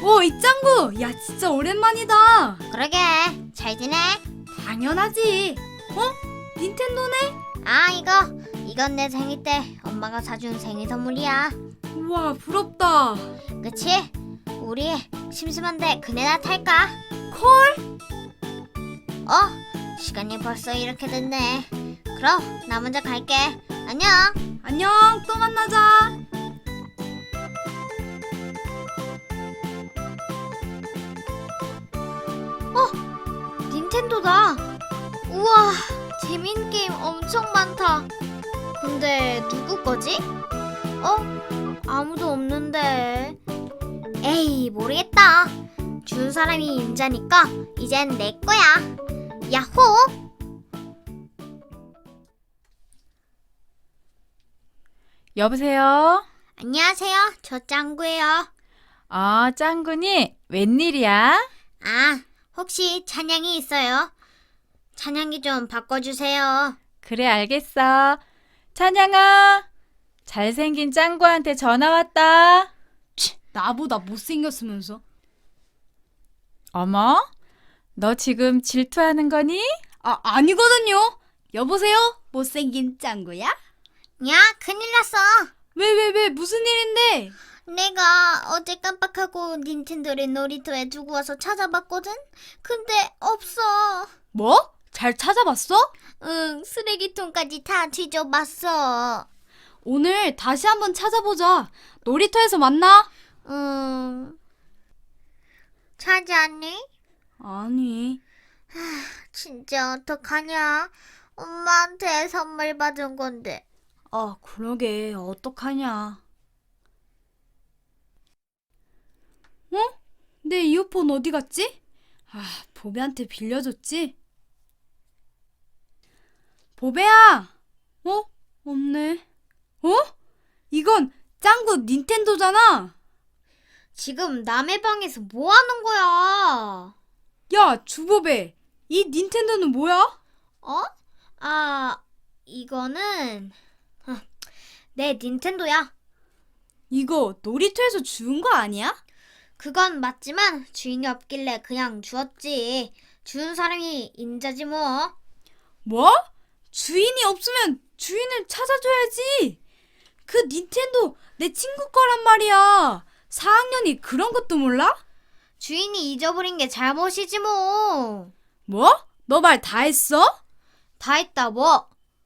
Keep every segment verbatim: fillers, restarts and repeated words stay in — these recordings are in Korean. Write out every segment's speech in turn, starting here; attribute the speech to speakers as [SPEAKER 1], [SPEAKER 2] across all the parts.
[SPEAKER 1] 오, 이짱구! 야, 진짜 오랜만이다.
[SPEAKER 2] 그러게, 잘 지내?
[SPEAKER 1] 당연하지. 어? 닌텐도네?
[SPEAKER 2] 아, 이거, 이건 내 생일 때 엄마가 사준 생일 선물이야.
[SPEAKER 1] 우와, 부럽다.
[SPEAKER 2] 그치? 우리 심심한데 그네나 탈까?
[SPEAKER 1] 콜?
[SPEAKER 2] 어, 시간이 벌써 이렇게 됐네. 그럼 나 먼저 갈게. 안녕.
[SPEAKER 1] 안녕, 또 만나자.
[SPEAKER 2] 닌텐도다. 우와, 재밌는 게임 엄청 많다. 근데 누구 거지? 어? 아무도 없는데. 에이, 모르겠다. 준 사람이 임자니까 이젠 내 거야. 야호!
[SPEAKER 3] 여보세요?
[SPEAKER 2] 안녕하세요. 저 짱구예요.
[SPEAKER 3] 아, 짱구니? 웬일이야?
[SPEAKER 2] 아, 혹시 찬양이 있어요? 찬양이 좀 바꿔주세요.
[SPEAKER 3] 그래, 알겠어. 찬양아, 잘생긴 짱구한테 전화 왔다.
[SPEAKER 1] 치, 나보다 못생겼으면서.
[SPEAKER 3] 어머, 너 지금 질투하는 거니?
[SPEAKER 1] 아, 아니거든요. 여보세요? 못생긴 짱구야?
[SPEAKER 2] 야, 큰일 났어.
[SPEAKER 1] 왜, 왜, 왜, 무슨 일인데?
[SPEAKER 2] 내가 어제 깜빡하고 닌텐도를 놀이터에 두고 와서 찾아봤거든? 근데 없어.
[SPEAKER 1] 뭐? 잘 찾아봤어?
[SPEAKER 2] 응, 쓰레기통까지 다 뒤져봤어.
[SPEAKER 1] 오늘 다시 한번 찾아보자. 놀이터에서 만나?
[SPEAKER 2] 응. 찾았니?
[SPEAKER 1] 아니.
[SPEAKER 2] 진짜 어떡하냐? 엄마한테 선물 받은 건데.
[SPEAKER 1] 아, 그러게. 어떡하냐. 어? 내 이어폰 어디 갔지? 아, 보배한테 빌려줬지? 보배야! 어? 없네. 어? 이건 짱구 닌텐도잖아!
[SPEAKER 2] 지금 남의 방에서 뭐 하는 거야?
[SPEAKER 1] 야, 주보배! 이 닌텐도는 뭐야?
[SPEAKER 2] 어? 아, 이거는 아, 내 닌텐도야.
[SPEAKER 1] 이거 놀이터에서 주운 거 아니야?
[SPEAKER 2] 그건 맞지만 주인이 없길래 그냥 주었지. 주운 사람이 임자지 뭐.
[SPEAKER 1] 뭐? 주인이 없으면 주인을 찾아줘야지. 그 닌텐도 내 친구 거란 말이야. 사 학년이 그런 것도 몰라?
[SPEAKER 2] 주인이 잊어버린 게 잘못이지 뭐.
[SPEAKER 1] 뭐? 너 말 다 했어?
[SPEAKER 2] 다 했다 뭐.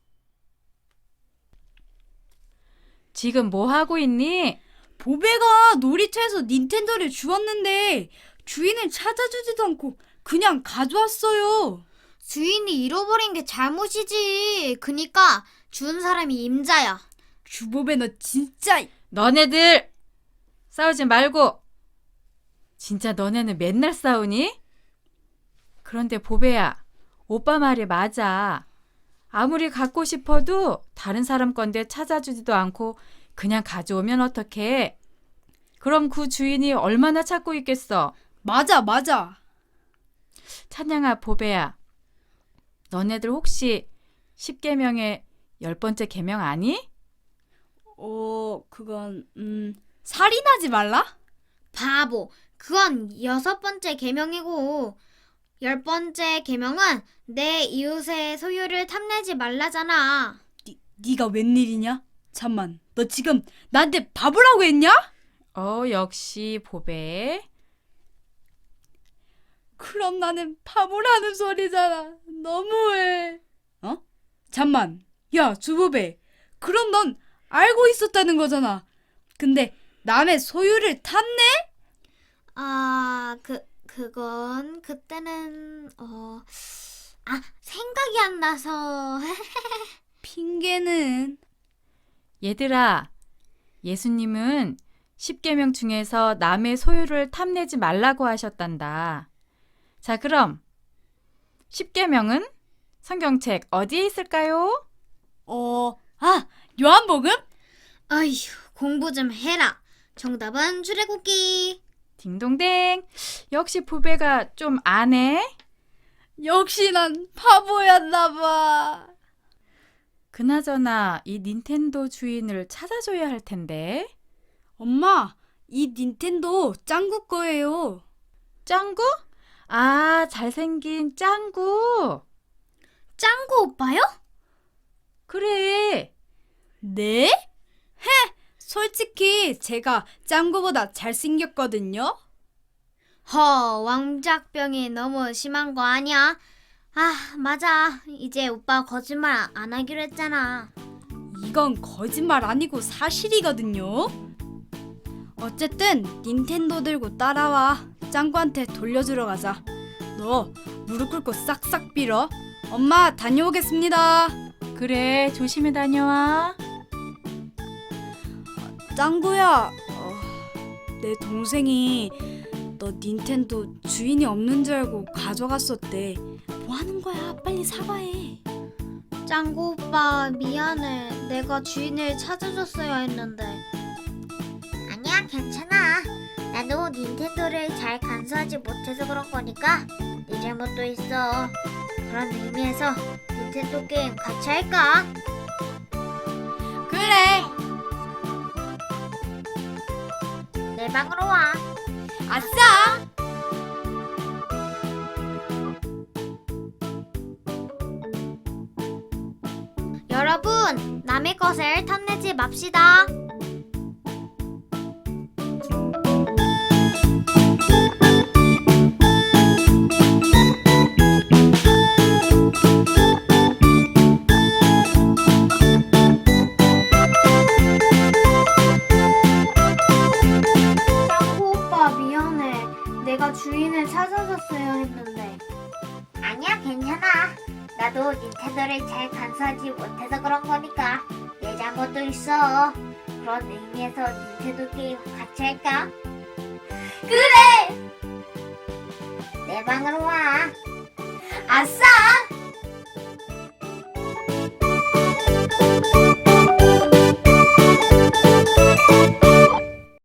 [SPEAKER 3] 지금 뭐 하고 있니?
[SPEAKER 1] 보배가 놀이터에서 닌텐도를 주웠는데 주인을 찾아주지도 않고 그냥 가져왔어요.
[SPEAKER 2] 주인이 잃어버린 게 잘못이지. 그니까 준 사람이 임자야.
[SPEAKER 1] 주보배 너 진짜.
[SPEAKER 3] 너네들 싸우지 말고. 진짜 너네는 맨날 싸우니? 그런데 보배야, 오빠 말이 맞아. 아무리 갖고 싶어도 다른 사람 건데 찾아주지도 않고 그냥 가져오면 어떡해? 그럼 그 주인이 얼마나 찾고 있겠어?
[SPEAKER 1] 맞아, 맞아.
[SPEAKER 3] 찬양아, 보배야, 너네들 혹시 십계명의 열 번째 계명 아니?
[SPEAKER 1] 어, 그건 음 살인하지 말라?
[SPEAKER 2] 바보. 그건 여섯 번째 계명이고 열 번째 계명은 내 이웃의 소유를 탐내지 말라잖아.
[SPEAKER 1] 니, 니가 웬일이냐? 잠만, 너 지금 나한테 바보라고 했냐?
[SPEAKER 3] 어, 역시 보배.
[SPEAKER 1] 그럼 나는 바보라는 소리잖아. 너무해. 어? 잠만. 야, 주보배. 그럼 넌 알고 있었다는 거잖아. 근데 남의 소유를 탐내?
[SPEAKER 2] 아, 그 그건 그때는 어 아, 생각이 안 나서.
[SPEAKER 1] 핑계는.
[SPEAKER 3] 얘들아, 예수님은 십계명 중에서 남의 소유를 탐내지 말라고 하셨단다. 자, 그럼 십계명은 성경책 어디에 있을까요?
[SPEAKER 1] 어, 아, 요한복음?
[SPEAKER 2] 아휴, 공부 좀 해라. 정답은 출애굽기.
[SPEAKER 3] 딩동댕. 역시 보배가 좀 아네.
[SPEAKER 1] 역시 난 바보였나 봐.
[SPEAKER 3] 그나저나 이 닌텐도 주인을 찾아줘야 할 텐데.
[SPEAKER 1] 엄마, 이 닌텐도 짱구 거예요.
[SPEAKER 3] 짱구? 아, 잘생긴 짱구.
[SPEAKER 2] 짱구 오빠요?
[SPEAKER 3] 그래.
[SPEAKER 1] 네? 헤! 솔직히 제가 짱구보다 잘생겼거든요.
[SPEAKER 2] 허, 왕작병이 너무 심한 거 아니야? 아, 맞아. 이제 오빠 거짓말 안 하기로 했잖아.
[SPEAKER 1] 이건 거짓말 아니고 사실이거든요. 어쨌든 닌텐도 들고 따라와. 짱구한테 돌려주러 가자. 너 무릎 꿇고 싹싹 빌어. 엄마 다녀오겠습니다.
[SPEAKER 3] 그래, 조심히 다녀와.
[SPEAKER 1] 짱구야, 어, 내 동생이 너 닌텐도 주인이 없는 줄 알고 가져갔었대. 뭐 하는 거야? 빨리 사과해.
[SPEAKER 2] 짱구 오빠 미안해. 내가 주인을 찾아줬어야 했는데. 아니야, 괜찮아. 나도 닌텐도를 잘 간수하지 못해서 그런 거니까 네 잘못도 있어. 그런 의미에서 닌텐도 게임 같이 할까?
[SPEAKER 1] 그래.
[SPEAKER 2] 내 방으로 와.
[SPEAKER 1] 아싸.
[SPEAKER 2] 여러분, 남의 것을 탐내지 맙시다. 짱구 오빠 미안해. 내가 주인을 찾아줬어야 했는데. 아니야, 괜찮아. 나도 닌텐도를 잘 간수하지 못해서 그런 거니까 내 잘못도 있어. 그런 의미에서 닌텐도 게임 같이 할까? 그래! 내 방으로 와. 아싸!